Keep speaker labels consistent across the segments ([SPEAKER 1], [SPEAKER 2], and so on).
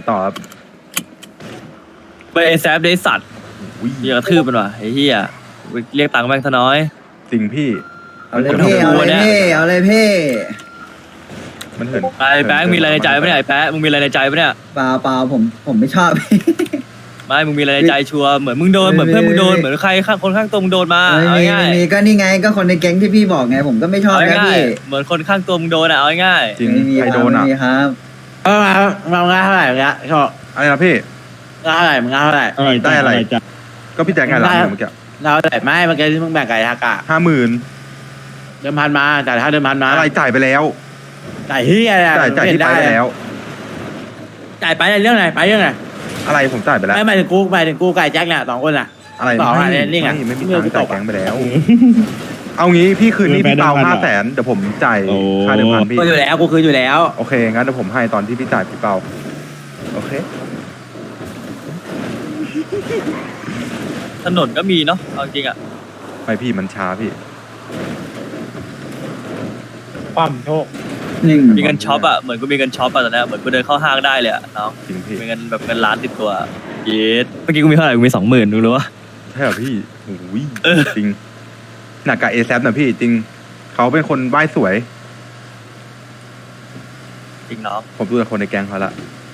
[SPEAKER 1] ต่อครับ
[SPEAKER 2] ไปไอ้แซฟได้สัตว์
[SPEAKER 1] อุ้ย
[SPEAKER 2] เรียกกระทืบมันว่ะไอ้เหี้ยเรียกตังค์แม่งซะน้อย
[SPEAKER 1] จริงพี่
[SPEAKER 3] เอาเลยพี่เอาเลยพี่เอาเลยพี่
[SPEAKER 1] มันเหิน
[SPEAKER 2] ไอ้แป๊กมีอะไรในใจปะเนี่ยไอ้แป๊กมึงมีอะไรในใจปะเนี่ย
[SPEAKER 3] เปล่าผมไม่ชอบ
[SPEAKER 2] ไม่มึงมีอะไรในใจชัวร์เหมือนมึงโดนเหมือนเพื่อนมึงโดนเหมือนใครข้างคนข้างตัวมึงโดนมา
[SPEAKER 3] ไม่
[SPEAKER 2] เอา
[SPEAKER 3] มี
[SPEAKER 2] ง่าย
[SPEAKER 3] ไม่มีก็นี่ไงก็คนในแก๊งที่พี่บอกไงผมก็ไม่ชอบ
[SPEAKER 2] เอา
[SPEAKER 3] นะ
[SPEAKER 2] ง่าย
[SPEAKER 3] พี่
[SPEAKER 2] เหมือนคนข้างตัวมึงโดนอ่ะเอาง่าย
[SPEAKER 1] จริง
[SPEAKER 3] ไม่มี
[SPEAKER 1] ใคร
[SPEAKER 3] ค
[SPEAKER 1] โด
[SPEAKER 3] รับ
[SPEAKER 1] น
[SPEAKER 3] ไม่
[SPEAKER 1] อ่ะ
[SPEAKER 3] มีครับ
[SPEAKER 4] มาง่ายเท่าไหร่เงี้ยชอบ
[SPEAKER 1] อะไรนะพี่
[SPEAKER 4] ง่ายเท่าไหร่มึงง่ายเท่าไหร่
[SPEAKER 1] ได้อะไร ก็พี่แจ็คไงล่ะเมื่อกี้
[SPEAKER 4] ง่ายเท่าไหร่ไม่เมื่อกี้ที่มึงแบ่งไก่ทากะ
[SPEAKER 1] 50,000
[SPEAKER 4] เดิมพันมาจ่ายค่าเดิมพันมา
[SPEAKER 1] อะไรจ่ายไปแล้ว
[SPEAKER 4] จ่ายที่อะไร
[SPEAKER 1] จ่ายที่ไปแล้ว
[SPEAKER 4] จ่ายไปเรื่องไหนไปเรื่องไหน
[SPEAKER 1] อะไรผมจ่ายไปแล้ว
[SPEAKER 4] ไม่หมายถึงกูไก่แจ็คเนี่ย2 คนอ่ะ
[SPEAKER 1] อะไร
[SPEAKER 4] ต่อ
[SPEAKER 1] ไม่
[SPEAKER 4] อะไรนี่ไง
[SPEAKER 1] ไม่มี
[SPEAKER 4] เมื่
[SPEAKER 1] ตั
[SPEAKER 4] อง กู
[SPEAKER 1] ค์จ่าย
[SPEAKER 4] ตกอะ
[SPEAKER 1] แก๊งไปแล้ว เอางี้พี่คืนนี้พี่เปา500,000เดี๋ยวผมจ่ายค่าเดิมพันพี่
[SPEAKER 4] กูอยู่แล้วกูคืนอยู่แล้ว
[SPEAKER 1] โอเคงั้นเดี๋ยวผมให้ตอนที่พี่จ่ายพี่เปาโอเค
[SPEAKER 2] ถนนก็มีเนาะเอาจริงอ่ะ
[SPEAKER 1] ไม่พี่มันช้าพี่
[SPEAKER 5] ความโชค
[SPEAKER 3] หนึ่ง
[SPEAKER 2] มีเงินช็อปอ่ะเหมือนกูมีเงินช็อปอ่ะตอนนี้เหมือนกูเดินเข้าห้างได้เลยอ่ะน้อง
[SPEAKER 1] จริงพี่
[SPEAKER 2] มีเงินแบบเงินล้านติดตัวเย็ดเมื่อกี้กูมีเท่าไหร่กูมี20,000ดูรู้ปะ
[SPEAKER 1] ใช่เหรอพี่โอ้ยจริงหนักกับเอแซนะพี่จริงเขาเป็นคนไหว้สวย
[SPEAKER 2] จริงน้อง
[SPEAKER 1] ผมดูจากคนในแก๊งเขาละ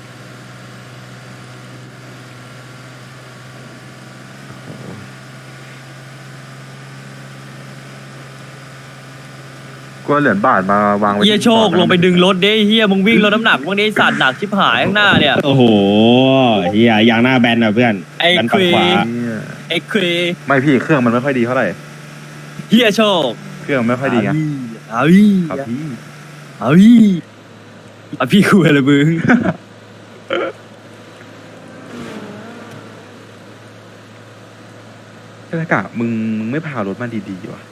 [SPEAKER 1] ก็เหรียญบาทมาวางไว้
[SPEAKER 2] เฮีย
[SPEAKER 1] ที่
[SPEAKER 2] โชค
[SPEAKER 1] บอร์ดนะ
[SPEAKER 2] ลงไปดึงรถดิเฮียมึงวิ่งรถน้ำหนักมึงได้สัตว์หนักชิบหายข้างหน้าเนี่ย
[SPEAKER 5] โอ้โหเฮียยางหน้าแบนอ่ะเพื่อน
[SPEAKER 2] ไอ้
[SPEAKER 5] แบนฝั่งขวา
[SPEAKER 1] เนี่ย
[SPEAKER 2] เอ็กครี
[SPEAKER 1] ไม่พี่เครื่องมันไม่ค่อยดีเท่าไหร่
[SPEAKER 2] เฮียโชค
[SPEAKER 1] เครื่องไม่ค่อยดีไง
[SPEAKER 2] เอาอี
[SPEAKER 1] ครับพี่
[SPEAKER 2] เอาอีเอาพี่คุยอะไรมึง
[SPEAKER 1] เทศกามึงไม่พารถมาดีๆวะ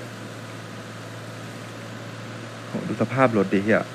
[SPEAKER 1] โหดูสภาพรถดิเฮีย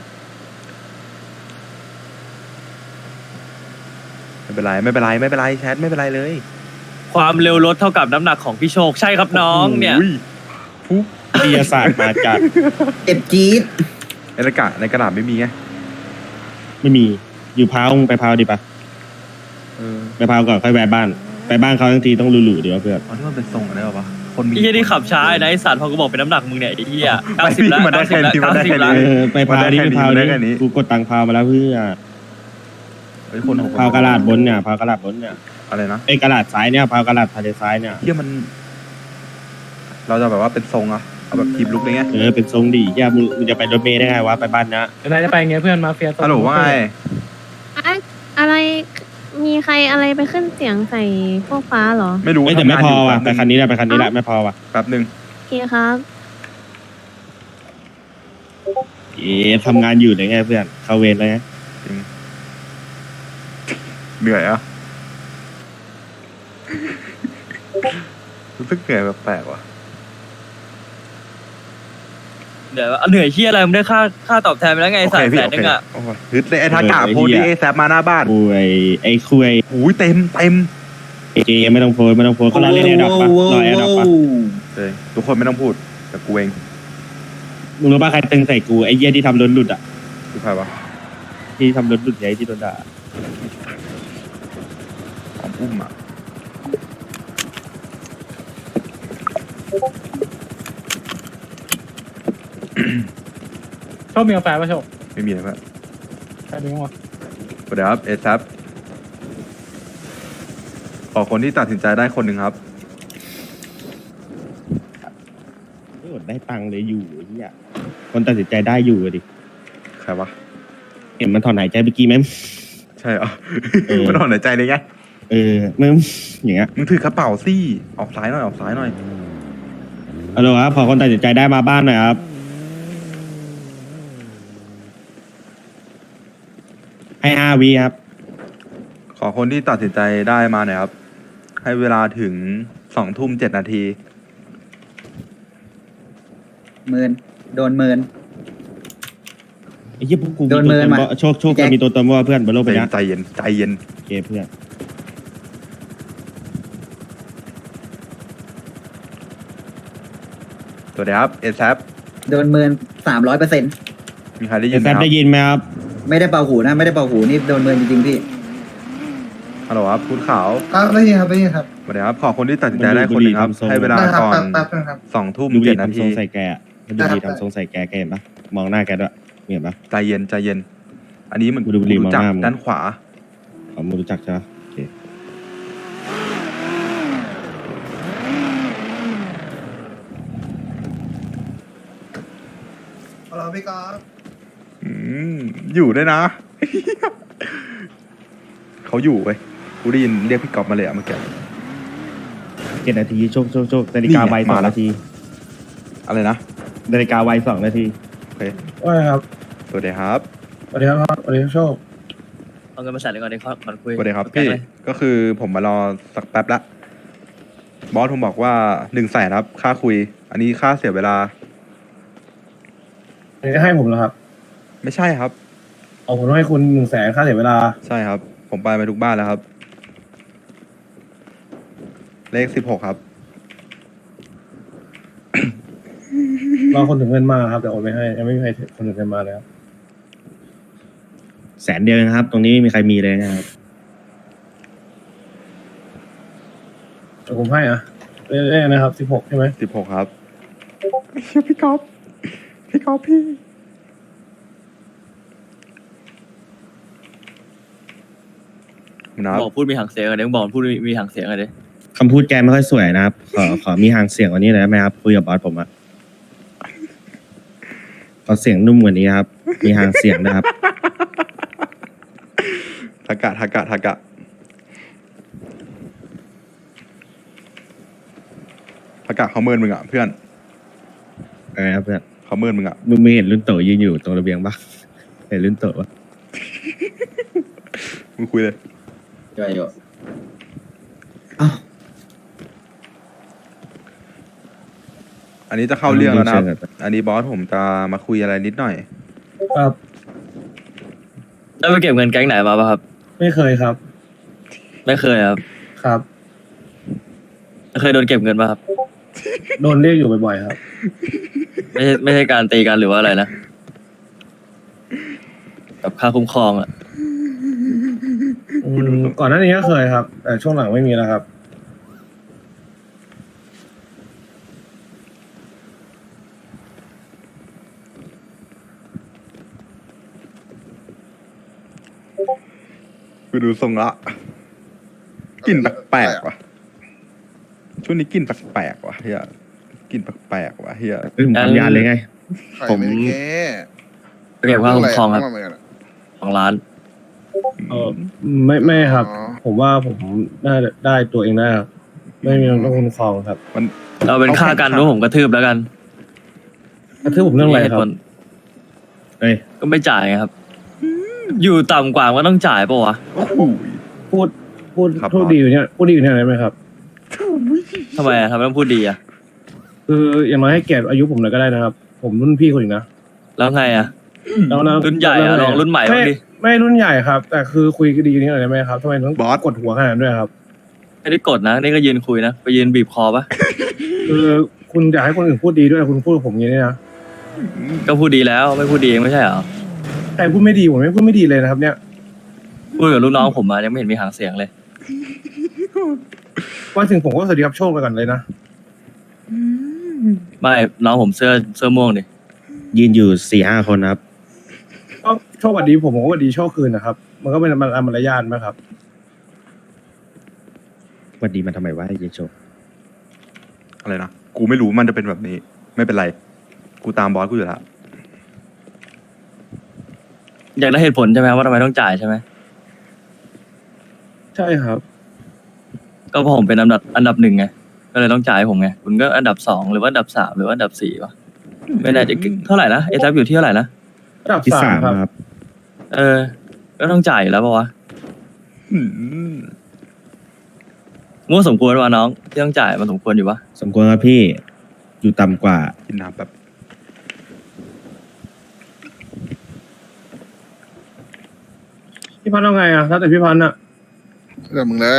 [SPEAKER 1] ไม่เป็นไรแชทไม่เป็นไรเลย
[SPEAKER 2] ความเร็วรถเท่ากับน้ำหนักของพี่โชคใช่ครับน้องเนี่ย
[SPEAKER 1] โอ้ยฟุ๊บ
[SPEAKER 5] วิทยาศาสตร์มาจาก
[SPEAKER 3] เจ็บจี๊ด
[SPEAKER 1] ในกระดาษไม่มีไง
[SPEAKER 5] ไม่มีอยู่พาวมึงไปพาวดีปะ
[SPEAKER 1] เออ
[SPEAKER 5] ไปพาวก่อนค่อยแวะบ้านไปบ้านเขาทั้งทีต้องหลู่ๆดีวะเพื่อน
[SPEAKER 1] อ๋อที่มันเป็นทรงอะไรวะคนมี
[SPEAKER 2] ไอ้เฮียที่ขับช้าไอ้นะไอ้สัตว์พอกูบอกเป็นน้ำหนักมึงเนี่ยไอ้เฮีย
[SPEAKER 1] ไม่
[SPEAKER 2] 90แล้ว
[SPEAKER 1] มันได้แค่นี้
[SPEAKER 2] 90
[SPEAKER 1] มันได้แค่นี้
[SPEAKER 2] แล้ว
[SPEAKER 5] ไปพาวดิไปพาว
[SPEAKER 1] ได้
[SPEAKER 5] ดิ
[SPEAKER 1] แค่นี้
[SPEAKER 5] กูกดตังค์พาวมาแล้วเพื่อน
[SPEAKER 1] เฮ้ยคนของ
[SPEAKER 5] พาวกระดาษบนเนี่ยพาวกระดาษบนเนี่ย
[SPEAKER 1] อะไรนะ
[SPEAKER 5] ไอ้กระดาษซ้ายเนี่ยพาวกระดาษทะเลซ้ายเนี่ย
[SPEAKER 1] เฮียมัน เราจะแบบว่าเป็นทรงอะเอาแบบทีมลุกเลยไง
[SPEAKER 5] เป็นทรงดีเฮียมึงจะไปรถเมล์ได้ไงวะไปบ้านนะนายจะไปไงเพื่อนมาเฟีย
[SPEAKER 1] ฮัลโหลว่าไง
[SPEAKER 6] อะไรมีใครอะไรไปขึ้นเสียงใส่พวกฟ้าเหรอ
[SPEAKER 1] ไม่รู้
[SPEAKER 5] แต่ไม่พอว่ะ
[SPEAKER 1] ทำงานยู่
[SPEAKER 5] ไปคันนี้แหละไปคันนี้แหละไม่พอว่ะ
[SPEAKER 1] แป๊บนึง
[SPEAKER 6] โอเคครับ
[SPEAKER 5] ทำงานอยู่ได้ไงเพื่อนเข้าเวรเลยไง
[SPEAKER 1] จริงเหนื่อยอะรู้สึกเหนื่อยแปลกๆว่ะ
[SPEAKER 2] เดี๋ยวเหนื่อยเฮียอะไรมึงได้ค่าตอบแทนไปแล้วไงไอ้
[SPEAKER 1] โอ
[SPEAKER 2] สัต
[SPEAKER 1] เค
[SPEAKER 2] ว์
[SPEAKER 1] พี่
[SPEAKER 2] แสน
[SPEAKER 1] โอ
[SPEAKER 2] นึ
[SPEAKER 1] เค
[SPEAKER 2] งอ่ะ
[SPEAKER 1] โอ้ยฮึดเลยไอ้ทากาโพสต์ดิไอ้แซฟมาหน้าบ้าน
[SPEAKER 5] คุยไอ้คุย
[SPEAKER 1] โอ้ยเต็ม
[SPEAKER 5] เจไม่ต้องโพสก็รอเล่นแอร์ดรอปปะรอแอร์ดรอปปะ
[SPEAKER 1] เลยทุกคนไม่ต้องพูดแต่กูเอง
[SPEAKER 5] มึงรู้ป่ะใครตึงใส่กูไอ้เหี้ยที่ทำรถหลุดอ่ะ
[SPEAKER 1] คือใครวะ
[SPEAKER 5] ที่ทำรถหลุดใหญ่ที่โดนด่า
[SPEAKER 1] ของอุ้มอะ
[SPEAKER 5] ชอบมีกาแฟป่ะโชค
[SPEAKER 1] ไม่มีเลยเพื่อน
[SPEAKER 5] แค่นี้วะ
[SPEAKER 1] สวัสดีครับเอแซฟขอคนที่ตัดสินใจได้คนหนึ่งครับ
[SPEAKER 5] ได้ตังค์เลยอยู่ไอ้เหี้ยคนตัดสินใจได้อยู่อะดิ
[SPEAKER 1] ใครวะ
[SPEAKER 5] เห็นมันถอนหายใจเมื่อกี้ไหม
[SPEAKER 1] ใช่เหรอมันถอนหายใจเลยไง
[SPEAKER 5] มึงอย่างเงี้ย
[SPEAKER 1] มึงถือกระเป๋าสิออกซ้ายหน่อยออกซ้ายหน่อย
[SPEAKER 5] เอาละครับพอคนตัดสินใจได้มาบ้านหน่อยครับให้5 วิครับ
[SPEAKER 1] ขอคนที่ตัดสินใจได้มาหน่อยครับ ให้เวลาถึง20:07
[SPEAKER 3] หมื่นโดนหมื่น
[SPEAKER 5] ไอ้เหี้ยพวกกู
[SPEAKER 3] โดนเมินมา
[SPEAKER 5] โชคจะมีตัวตนว่าเพื่อนบนโลกใบนี้
[SPEAKER 1] ใจเย็นใจเย็น
[SPEAKER 5] โอเคเพื่อน
[SPEAKER 1] สวัสดีครับเอแซฟ
[SPEAKER 3] โดนหมื่น300%
[SPEAKER 1] มีใครได้ยิ
[SPEAKER 5] เดี๋ย
[SPEAKER 1] น
[SPEAKER 5] ว
[SPEAKER 1] ไห
[SPEAKER 5] แซ
[SPEAKER 1] ม
[SPEAKER 5] ม
[SPEAKER 1] ครับ
[SPEAKER 5] ได้ยินไหมครับ
[SPEAKER 3] ไม่ได้เป่าหูนะไม่ได้เป่าหูนี่โดนหมื่นจริงๆพี่
[SPEAKER 1] ฮัลโหลครับพูดขาว
[SPEAKER 7] ครับได้ยินครับได้ยินครับ
[SPEAKER 1] สวัสดีครับขอคนที่ตัดสินใจได้คนหนึ่งครับ
[SPEAKER 5] มันดูบุหรี่ทำทรง
[SPEAKER 1] ให้เวลา
[SPEAKER 7] ได้ครับ
[SPEAKER 1] ก่อน
[SPEAKER 7] แป๊บนึงครับ
[SPEAKER 1] 2 ทุ่ม
[SPEAKER 5] ดูดี
[SPEAKER 1] 7 นา
[SPEAKER 5] ทำท
[SPEAKER 1] ที
[SPEAKER 5] รงใส่แกอะมันดูดีทำทรงใส่แกแกเห็นปะมองหน้าแกด้วยเห็นปะ
[SPEAKER 1] ใจเย็นใจเย็น อันนี้มัน
[SPEAKER 5] ดูบุหรี่
[SPEAKER 1] รู้จัก
[SPEAKER 5] มองหน้ามึง
[SPEAKER 1] ด้านขวา
[SPEAKER 5] เขาไม่รู้จักใช่ปะโอเค
[SPEAKER 7] ฮัลโหลพี่กอล์ฟ
[SPEAKER 1] อืมอยู่ด้วยนะ เขาอยู่เว้ยกูได้ยินเรียกพี่กอบมาเลยอะเมื่อกี้
[SPEAKER 5] 7 นาทีโชคนาฬิกาไว
[SPEAKER 1] นี่ไงมา
[SPEAKER 5] 2
[SPEAKER 1] แล้ว
[SPEAKER 5] นาที
[SPEAKER 1] อะไรนะ
[SPEAKER 5] นาฬิกาไว2 นาที
[SPEAKER 1] โอเค
[SPEAKER 7] ว่าไงครับ
[SPEAKER 1] สวัสดีครับ
[SPEAKER 7] สวัสดีครับสวัสดีครับโชค
[SPEAKER 2] เอาเงินมาใส่เลยก่อนดีก่อนคุย
[SPEAKER 1] สวัสดีครับ
[SPEAKER 2] แก๊ง
[SPEAKER 1] พี่
[SPEAKER 2] เลย
[SPEAKER 1] ก็คือผมมารอสักแป๊บละบอสผมบอกว่า100,000ครับค่าคุย อันนี้ค่าเสียเวลา
[SPEAKER 7] อันนี้ให้ผมแล้วครับ
[SPEAKER 1] ไม่ใช่ครับ
[SPEAKER 7] เอาผมต้องให้คุณ100,000ค่าเสียเวลา
[SPEAKER 1] ใช่ครับ ผมไปทุกบ้านแล้วครับ เลข16ครับ
[SPEAKER 7] รอคนถึงเงินมาครับแต่โอนไม่ให้ยังไม่มีใครคนถึงเงินมาเลยครับ
[SPEAKER 5] 100,000 เดียวนะครับ ตรงนี้ไม่มีใครมีเลยนะครับ
[SPEAKER 7] แต่ผมให้อ่ะเรื่อยๆนะครับ16ใช่ไหม
[SPEAKER 1] 16ครับพี่กอบพี่กอบพี่นะครับ
[SPEAKER 2] บอกพูดมีหางเสียงกันเดี๋ยวบอกพูดมีหางเสียงกันเดี๋ยว
[SPEAKER 5] คำพูดแกไม่ค่อยสวยนะครับ ขอมีหางเสียงกว่านี้หน่อยได้ไหมครับคุยกับบอสผมอะขอเสียงนุ่มกว่านี้ครับ มีหางเสียงนะครับ
[SPEAKER 1] ทากะทากะทากะทากะเขาเมินมึงอ่ะเพื่อน
[SPEAKER 5] อะไรครับเพื่อน
[SPEAKER 1] เขาเมินมึงอ่ะ
[SPEAKER 5] มึงไม่เห็นรุ่นโตยืนอยู่ตรงระเบียงปะเห็นรุ่นโตปะ
[SPEAKER 1] มึงคุยเลย
[SPEAKER 3] ย่อยอยู่
[SPEAKER 1] อันนี้จะเข้าเรื่องแล้วนะครับ อันนี้บอสผมจะมาคุยอะไรนิดหน่อย
[SPEAKER 7] ครับ
[SPEAKER 2] แล้วไปเก็บเงินแก๊งไหนมาป่ะครับ
[SPEAKER 7] ไม่เคยครับ
[SPEAKER 2] ไม่เคยครับ
[SPEAKER 7] ครับ
[SPEAKER 2] เคยโดนเก็บเงินป่ะครับ
[SPEAKER 7] โดนเรียกอยู่บ่อยๆครับ
[SPEAKER 2] ไม่ใช่การตีกันหรือว่าอะไรนะกับค่าคุ้มครองอ่ะ
[SPEAKER 7] ก่อนหน้านี้ก็เคยครับ แต่ช่วงหลังไม่มีแล้วครับ
[SPEAKER 1] กูดูทรงละกลิ่นแปลกๆว่ะ ช่วงนี้กลิ่นแปลกๆว่ะเฮียกลิ่นแปลกๆว่ะเฮีย
[SPEAKER 5] ผมทำยานเลยไง
[SPEAKER 2] ผม ไปเก็บค่าคุ้มครองครับ2 ล้าน
[SPEAKER 7] ไม่ครับ
[SPEAKER 8] อ๋อ
[SPEAKER 7] ผมว่าผมน่าจะได้ตัวเองได้ครับ ไม่มีต้องคุ้มครองครับ
[SPEAKER 1] มัน
[SPEAKER 2] เราเป็นค่ากันว่าผมกระทืบแล้วกัน
[SPEAKER 7] กระทืบผมเรื่องอะไรครับ
[SPEAKER 2] มีหตุผล
[SPEAKER 5] เฮ้ย
[SPEAKER 2] ก็ไม่จ่ายไงครับ อยู่ต่ำกว่าก็ต้องจ่ายปะวะ
[SPEAKER 1] โอ้โห
[SPEAKER 7] พูด
[SPEAKER 1] ครับ
[SPEAKER 7] พูดดีอยู่เนี่ยพูดดีอยู่เนี่ยได้ไหมครับ
[SPEAKER 2] ทำไมอะทำไมต้องพูดดีอะ
[SPEAKER 7] คืออย่างน้อยให้เกียรติอายุผมหน่อยก็ได้นะครับ ผมรุ่นพี่คนอีกนะ
[SPEAKER 2] แล้วไงอะ
[SPEAKER 7] แล้วนะ
[SPEAKER 2] รุ่นใหญ่อะลองรุ่นใหม่บ้างดิ
[SPEAKER 7] ไม่รุ่นใหญ่ครับ แต่คือคุยกันดีอยู่นี่หน่อยได้ไหมครับทำไมต้องกดหัวขนาดนั้นด้วยครับ
[SPEAKER 2] ไม่ได้กดนะ นี่ก็ยืนคุยนะ ไปยืนบีบคอปะ
[SPEAKER 7] คือคุณอยากให้คนอื่นพูดดีด้วยคุณพูดกับผมอย่างนี้นะ
[SPEAKER 2] ก็พูดดีแล้วไม่พูดดีเองไม่ใช่เหรอ
[SPEAKER 7] แต่พูดไม่ดีผมไม่พูดไม่ดีเลยนะครับ เนี่ย
[SPEAKER 2] พูดกับลูกน้องผมมายังไม่เห็นมีหางเสียงเลย
[SPEAKER 7] ว่าถึงผมก็สวัสดีครับโชคไปก่อนเลยนะ
[SPEAKER 2] ไม่น้องผมเสื้อม่วงดิ
[SPEAKER 5] ยืนอยู่ 4-5 คนนะครับ
[SPEAKER 7] ก็โชคสวัสดีผมก็สวัสดีโชคคืนนะครับ มันก็เป็นมารยาทไหมครับ
[SPEAKER 5] วันดีมาทำไมวะไอ้เยโช
[SPEAKER 1] อะไรนะ กูไม่รู้มันจะเป็นแบบนี้ ไม่เป็นไร กูตามบอสกูอยู่แล้ว
[SPEAKER 2] อยากได้เหตุผลใช่ไหมว่าทำไมต้องจ่ายใช่ไหม
[SPEAKER 7] ใช่ครับ
[SPEAKER 2] ก็เพราะผมเป็นอันดับ 1ไงก็เลยต้องจ่ายให้ผมไงคุณก็อันดับ 2หรือว่าอันดับ 3หรือว่าอันดับ 4วะไม่แน่ใจเท่าไหร่นะเอทับอยู่ที่เท่าไหร่นะ
[SPEAKER 7] ระดับ
[SPEAKER 5] ที่
[SPEAKER 7] สาม
[SPEAKER 5] 3
[SPEAKER 7] ครับ
[SPEAKER 5] ครับ
[SPEAKER 2] ก็ต้องจ่ายอยู่แล้วปะวะ
[SPEAKER 1] อืม
[SPEAKER 2] มั่วสมควรวะน้องที่ต้องจ่ายมันสมควรอยู่ปะ
[SPEAKER 5] สมควรครับพี่ อยู่ต่ำกว่า
[SPEAKER 1] กินน้ำแบบ
[SPEAKER 7] พี่พันธ์เอาไงอ่ะถ้าแต่พี่พันธ์อ่ะ
[SPEAKER 8] เรื่องมึงเลย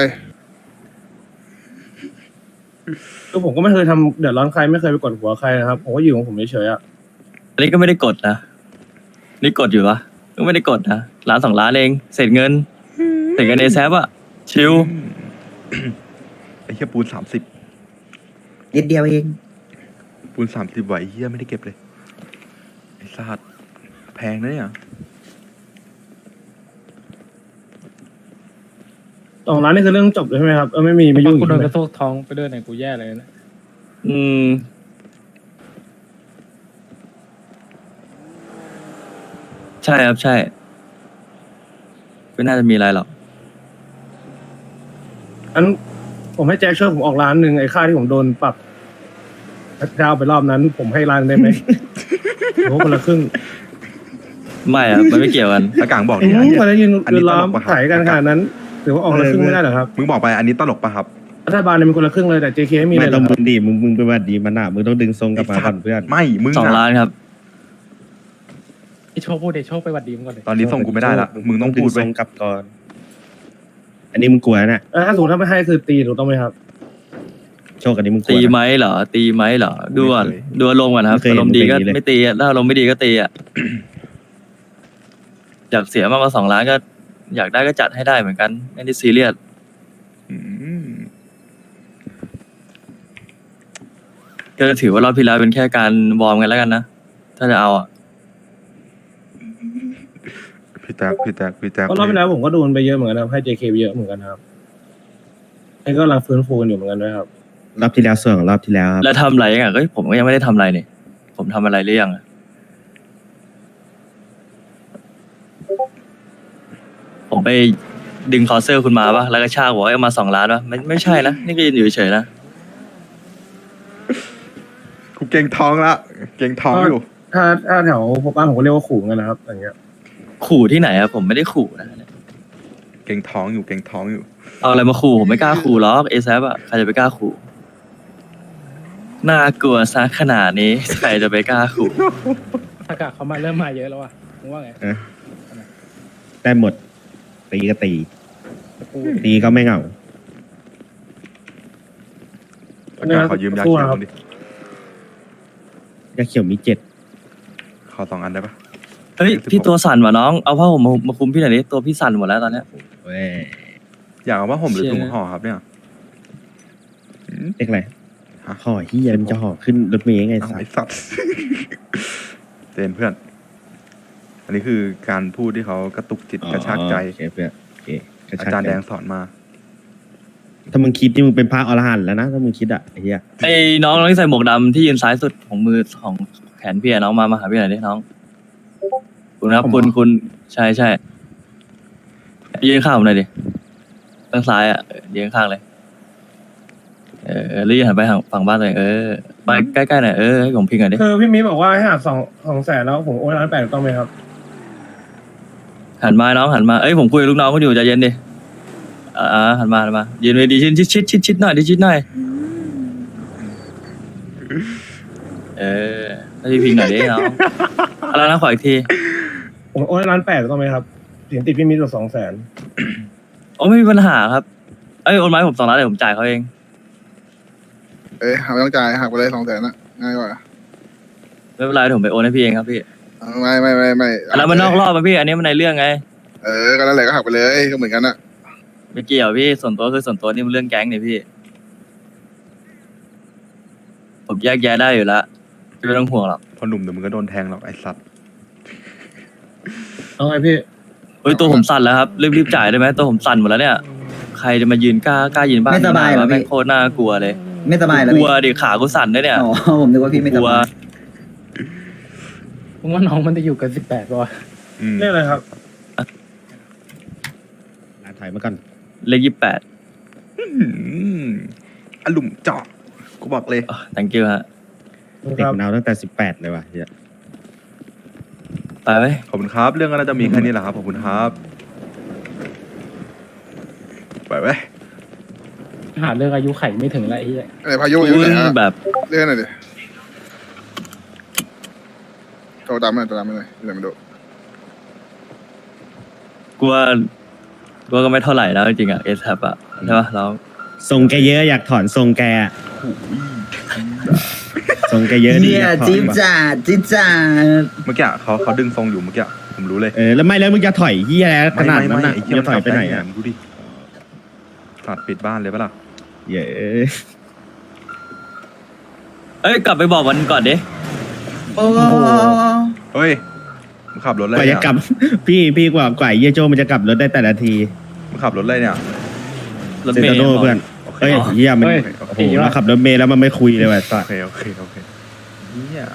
[SPEAKER 7] คือผมก็ไม่เคยทำเดือดร้อนใครไม่เคยไปกดหัวใครนะครับผมก็อยู่ของผมเฉยๆอ่ะ
[SPEAKER 2] อันนี้ก็ไม่ได้กดนะนี่กดอยู่ปะก็ไม่ได้กดนะ1-2 ล้านเองเศษเงินเอแซปอะชิว
[SPEAKER 1] ไอ้เหี้ยปูน30
[SPEAKER 3] นิดเดียวเอง
[SPEAKER 1] ปูน30ไหวเหี้ยไม่ได้เก็บเลยไอ้สัตว์แพงนะเนี่ย
[SPEAKER 7] 2 ล้านนี่คือเรื่องจบเลยใช่ไหมครับไม่มีไม่ยุ่ง
[SPEAKER 9] กูโดน
[SPEAKER 7] ใช่ไหม
[SPEAKER 9] กระโทกท้องไปด้วยเนี่ยกูแย่เลยนะ
[SPEAKER 2] อืมใช่ครับใช่ไม่น่าจะมีอะไรหรอก
[SPEAKER 7] อันผมให้แจ็คช่วยผมออกล้านหนึ่งไอ้ค่าที่ผมโดนปรับดาวไปรอบนั้น ผมให้ล้านได้ไหม โอ้คนละครึ่ง
[SPEAKER 2] ไม่อะมันไม่เกี่ยวกัน
[SPEAKER 1] อากางบอก
[SPEAKER 7] อื
[SPEAKER 1] ดิ
[SPEAKER 7] ม
[SPEAKER 1] อันนี้
[SPEAKER 7] พอได้ยิน
[SPEAKER 1] อันนี้
[SPEAKER 7] ล้อม
[SPEAKER 1] ตลกปะครับ
[SPEAKER 7] ขายกันขนาดนั้นถือว่าออกละครึ่งไม่ได้เหรอครับ
[SPEAKER 1] มึงบอกไปอันนี้ตลกปะครับ
[SPEAKER 7] รัฐบาลเนี่ยเป็นคนละครึ่งเลยแต่ JK ไม่มีเล
[SPEAKER 5] ไม่
[SPEAKER 7] ยเหร
[SPEAKER 5] ต้อ
[SPEAKER 7] อง ครับ
[SPEAKER 5] มึงดีมึงไปวัดดีมันอ่ะมึงต้องดึงทรงกลับมาก่อนเพื่อน
[SPEAKER 1] ไม่มึง
[SPEAKER 2] 2 ล้านครับ
[SPEAKER 9] ไอโชคพูดเดโชคไปหวัดดีมงก่อนเลย
[SPEAKER 1] ตอนนี้ส่งกูไม่ได้ละมึงต้องพูด
[SPEAKER 5] ท
[SPEAKER 1] ไป
[SPEAKER 5] รงกลับก่อน อันนี้มึงกลัวนะ
[SPEAKER 7] ถ้าสมมติถ้าไม่ให้คือตีถูกต้องไหมครับ
[SPEAKER 5] โชคอันนี้มึงกลัว
[SPEAKER 2] ตี
[SPEAKER 5] นะ
[SPEAKER 2] ไหมเหรอตีไหมเหรอดูก่อนดูอารมณ์ก่อนครับ
[SPEAKER 5] ไม่เคย
[SPEAKER 2] อารมณ์ดีก็
[SPEAKER 5] เห็นเลย
[SPEAKER 2] ไม่ตีอะถ้าอารมณ์ไม่ดีก็ตีอ่ะ อยากเสียมากกว่า2 ล้านก็ อยากได้ก็จัดให้ได้เหมือนกันไม่ได้ซีเรียส
[SPEAKER 1] อืม
[SPEAKER 2] ก็ถือว่ารอบที่แล้วเป็นแค่การวอร์มกันแล้วกันนะถ้าจะเอาอ่ะ
[SPEAKER 1] พี่แจ๊ค
[SPEAKER 7] เพราะรอบที่แล้วผมก็โดนไปเยอะเหมือนกันนะครับให้ JK ไปเยอะเหมือนกันนะครับไอ้ก็กำลังฟื้นฟูกันอยู่เหมือนกันด้วยครับ
[SPEAKER 5] รอบที่แล้วส่วนของรอบที่แล้วครับ
[SPEAKER 2] แล้วทำอะไรยังไงก็ผมก็ยังไม่ได้ทำอะไรนี่ผมทำอะไรหรือยังอะผมไปดึงคอเซอร์คุณมาปะแล้วก็ชากบอกว่าเอามา2 ล้านปะไม่ใช่นะนี่ก็ยืนอยู่เฉยๆนะ
[SPEAKER 1] กูเก่งท้องละเก่งท้องอยู่
[SPEAKER 7] ถ้าแถวพวกบ้านผมก็เรียกว่าขู่กันนะครับอย่างเงี้ย
[SPEAKER 2] ขู่ที่ไหนอะผมไม่ได้ขู่นะ
[SPEAKER 1] เก่งท้องอยู่
[SPEAKER 2] เอาอะไรมาขู่ผมไม่กล้าขู่หรอกเอซอะใครจะไปกล้าขู่น่ากลัวซะขนาดนี้ใครจะไปกล้าขู่
[SPEAKER 9] ถ้ากะเขามาเริ่มมาเยอะแล้วว่ะมึงว่าไง
[SPEAKER 5] ได้หมด ตีก็ตี
[SPEAKER 9] กู
[SPEAKER 5] ตีก็ไม่เหงา
[SPEAKER 1] อากาศขอยืมยาเขียวดิ
[SPEAKER 5] ยาเขียวมี 7
[SPEAKER 1] ขอ2 อันได้ปะ
[SPEAKER 2] เฮ้ยพี่ตัวสั่นว่ะน้องเอาผ้าห่มมาคุมพี่หน่อยดิตัวพี่สั่นหมดแล้วตอนเนี้ย
[SPEAKER 5] เว้ย
[SPEAKER 1] อยากเอาว่าห่มหรือ
[SPEAKER 2] เชี่ย
[SPEAKER 1] ถุงห่อครับเนี่ยอืม
[SPEAKER 5] เรียกอะไร
[SPEAKER 1] ฮะ
[SPEAKER 5] ห่อเฮียมันจะห่อขึ้นรถเมย์ไง
[SPEAKER 1] เอา
[SPEAKER 5] สัส
[SPEAKER 1] ไอ้สัตว์ เต้นเพื่อน อันนี้คือการพูดที่เขากระตุกจิตกระชากใจ
[SPEAKER 5] โอเคเพื่อนโอเคกระ
[SPEAKER 1] อา
[SPEAKER 5] ชาก
[SPEAKER 1] จารย์
[SPEAKER 5] ใจ
[SPEAKER 1] แดงสอนมา
[SPEAKER 5] ถ้ามึงคิดนี่มึงเป็นพระอรหันต์แล้วนะถ้ามึงคิดอ่ะไอ้เหี้ย
[SPEAKER 2] ไอ้น้องที่ใส่หมวกดำที่ยืนซ้ายสุดของมือของแขนพี่อะน้องมาหาพี่หน่อยดิน้องคุณครับคุณใช่ยืนข้างผมหน่อยดิข้างซ้ายอะยืนข้างเลยรีบหันไปทางฝั่งบ้านตัวเองไปใกล้ๆหน่อยให้ผมพิงหน่อยดิ
[SPEAKER 7] คือพี่มีบอกว่าให้หัก200,000แล้วผมโอนล้าน8ถูกต้องไหมครับ
[SPEAKER 2] หันมาน้องหันมาผมคุยกับลูกน้องเขาอยู่ใจเย็นดิหันมายืนไปดีชิดหน่อยดิชิดหน่อยให้พี่พิงหน่อยดิน้องอะไรนะขออีกที
[SPEAKER 7] ผมโอนล้าน8ถูกต้องไหมครับเสียงติดพี่มีตัว200,000
[SPEAKER 2] โอ้ไม่มีปัญหาครับโอนไม้ผม2 ล้านเดี๋ยวผมจ่ายเขาเอง
[SPEAKER 8] หักไม่ต้องจ่ายหักไปเลย200,000นะง่ายกว่า
[SPEAKER 2] ไม่เป็นไรเดี๋ยวผมไปโอนให้พี่เองครับพี่
[SPEAKER 8] ไม่
[SPEAKER 2] อันนั้นมันนอกรอบป่ะพี่อันนี้มันในเรื่องไง
[SPEAKER 8] ก็นั่นแหละก็หักไปเลยก็เหมือนกันนะ
[SPEAKER 2] ไม่เกี่ยวพี่ส่วนตัวคือส่วนตัวนี่มันเรื่องแก๊งนี่พี่ ผมแยกแยะได้อยู่แล้วไม่ต้องห่วงหรอก
[SPEAKER 1] พอหนุ่มเดี๋ยวมึงก็โดนแทงหรอกไอ้สัตว์
[SPEAKER 7] เอาไงพี่
[SPEAKER 2] ตัวผมสั่นแล้วครับรีบจ่ายได้ไหมตัวผมสั่นหมดแล้วเนี่ยใครจะมายืนกล้ายืนบ้าน
[SPEAKER 3] ไม่สบายเหรอ
[SPEAKER 2] แม่ง
[SPEAKER 3] พี่
[SPEAKER 2] โคตรน่ากลัวเลย
[SPEAKER 3] ไม่สบายเหรอก
[SPEAKER 2] ลั
[SPEAKER 3] พี่
[SPEAKER 2] วดิขากูสั่นด้วยเนี่ย
[SPEAKER 3] อ๋อผมนึกว่าพี่ไม่
[SPEAKER 2] ก
[SPEAKER 3] ส
[SPEAKER 2] ลัว
[SPEAKER 3] บาย
[SPEAKER 9] มึงว่าน้องมันจะอยู่กัน18ป่ะวะ
[SPEAKER 1] อืม
[SPEAKER 7] เรียกอะไรครับ
[SPEAKER 5] ลาถอยมาก่อน
[SPEAKER 2] เลข
[SPEAKER 1] อลุ่มเจาะกูบอกเลย
[SPEAKER 2] 28 thank you ฮะ
[SPEAKER 5] เด็กมันเอาตั้งแต่ 18 เลยว่ะเฮีย
[SPEAKER 2] ไปไว้
[SPEAKER 1] ขอบคุณครับ เรื่องก็น่าจะมีแค่นี้แหละครับ ขอบคุณครับ ไปเว้ย
[SPEAKER 9] หาเรื่องอายุไขไม่ถึงแล้วไอ้เหี้ย
[SPEAKER 8] พายุอยู่
[SPEAKER 2] คุ
[SPEAKER 8] ไหน
[SPEAKER 2] ณ
[SPEAKER 8] ฮะ
[SPEAKER 2] แบบ
[SPEAKER 8] เรื่องหน่อยดิโทรตามมาหน่อยเดี๋ยวมาดู
[SPEAKER 2] กลัวก็ไม่เท่าไหร่แล้วจริงๆอ่ะเอสแทบอ่ะใช่ป่ะเรา
[SPEAKER 5] ทรงแกเยอะอยากถอนทรงแกอะทรงแกเยอะดี
[SPEAKER 3] เนี่ย
[SPEAKER 5] อยากถอน
[SPEAKER 3] จิ๊บ
[SPEAKER 5] ว่ะ
[SPEAKER 3] จ่าจิ๊บจ่า
[SPEAKER 1] เมื่อกี้เขาดึงทรงอยู่เมื่อกี้ผมรู้เลย
[SPEAKER 5] แล้วไม่แล้วมึงจะถอยเฮียอะไรขนาดนั้น
[SPEAKER 1] ไม่
[SPEAKER 5] น่ะ
[SPEAKER 1] ไอ้
[SPEAKER 5] มึ
[SPEAKER 1] เหี้
[SPEAKER 5] ง
[SPEAKER 1] ย
[SPEAKER 5] จะถอยไปไหนอ่ะ
[SPEAKER 1] มึงดูดิสัตว์ปิดบ้านเลยปะล่ะ
[SPEAKER 5] เย้
[SPEAKER 2] เอ้ยกลับไปบอกมันก่อนดิ
[SPEAKER 3] โอ้
[SPEAKER 1] เฮ้ยมึงขับรถอะไร
[SPEAKER 5] กว่า
[SPEAKER 1] เนี่
[SPEAKER 5] จะ
[SPEAKER 1] ย
[SPEAKER 5] กลับ พี่กว่าเยี่ยโจมันจะกลับรถได้แต่ละที
[SPEAKER 1] มึงขับรถอะไรเนี่ย
[SPEAKER 2] รถ
[SPEAKER 5] เซ
[SPEAKER 2] เม
[SPEAKER 5] น
[SPEAKER 2] ย์
[SPEAKER 5] โตเพื่อน
[SPEAKER 1] โอเค
[SPEAKER 5] เฮ้ยเยี่ยมัน
[SPEAKER 7] เฮ้ย
[SPEAKER 5] โอ้โหเราขับรถเมล์แล้วมันไม่คุยเลยว่ะสัส
[SPEAKER 1] โอเคโอเคโอเคเฮีย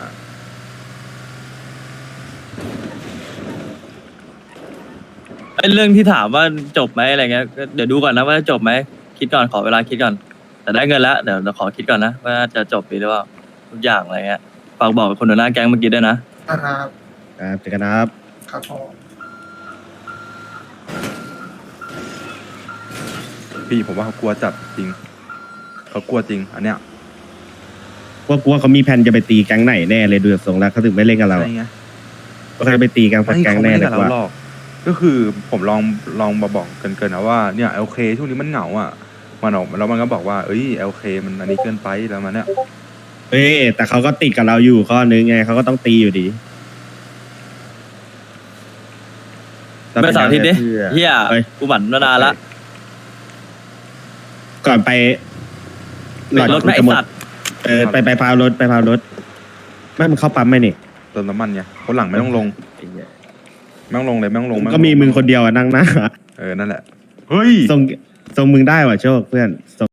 [SPEAKER 2] ไอ้เรื่องที่ถามว่าจบไหมอะไรเงี้ยก็เดี๋ยวดูก่อนนะว่าจะจบไหมคิดก่อนขอเวลาคิดก่อน แต่ได้เงินแล้วเดี๋ยวขอคิดก่อนนะว่าจะจบหรือเปล่าทุกอย่างอะไรเงี้ยฝากบอกคนหัวหน้าแก๊งเมื่อกี้ด้วยนะ
[SPEAKER 3] ครับ
[SPEAKER 5] ครับเจอกันนะครับ
[SPEAKER 3] ครับพ่อ
[SPEAKER 1] พี่ผมว่าเขากลัวจัดจริงเขากลัวจริงอันเนี้ย
[SPEAKER 5] ว่ากลัวเขามีแผนจะไปตีแก๊งไหนแน่เลยดูจากทรงแล้วเขาถึงไม่เล่นกับเรา
[SPEAKER 1] ใช่ไง
[SPEAKER 5] ก็เขาจะไปตีแก๊งสัก
[SPEAKER 1] ไม่
[SPEAKER 5] แก๊ง
[SPEAKER 1] เขา
[SPEAKER 5] แน่
[SPEAKER 1] ไม่
[SPEAKER 5] เล
[SPEAKER 1] ได้
[SPEAKER 5] ย
[SPEAKER 1] กับเรา
[SPEAKER 5] ว่า
[SPEAKER 1] หรอกก็คือผมลองมาบอกเกินๆนะว่าเนี่ยโอเคช่วงนี้มันเหงาอ่ะมันออกแล้วมันก็บอกว่าเอ้ยโอเคมันอันนี้เกินไปแล้วมันเนี่ย
[SPEAKER 5] เฮ้ยแต่เขาก็ติดกับเราอยู่ข้อนึงไงเขาก็ต้องตีอยู่ดี
[SPEAKER 2] ไปเสาร์อาทิตย์ดิเฮีย
[SPEAKER 5] เฮ้ย
[SPEAKER 2] กูหมั่นมานานละ
[SPEAKER 5] ก่อนไป
[SPEAKER 2] รถไม่ไอ
[SPEAKER 5] จะหมด
[SPEAKER 2] สัตว์
[SPEAKER 5] ไปพาวรถไม่มันเข้าปั๊มไหมนี่
[SPEAKER 1] เติมน้ำมันไงคนหลังไม่ต้องลงไม่ต้องลงเลยไม่ต้องลงไต้องลง
[SPEAKER 5] ก็มีมึงคนเดียวอะนั่งหน้า
[SPEAKER 1] นั่นแหละเฮ้ย
[SPEAKER 5] ทรงมึงได้ว่ะโชคเพื่อน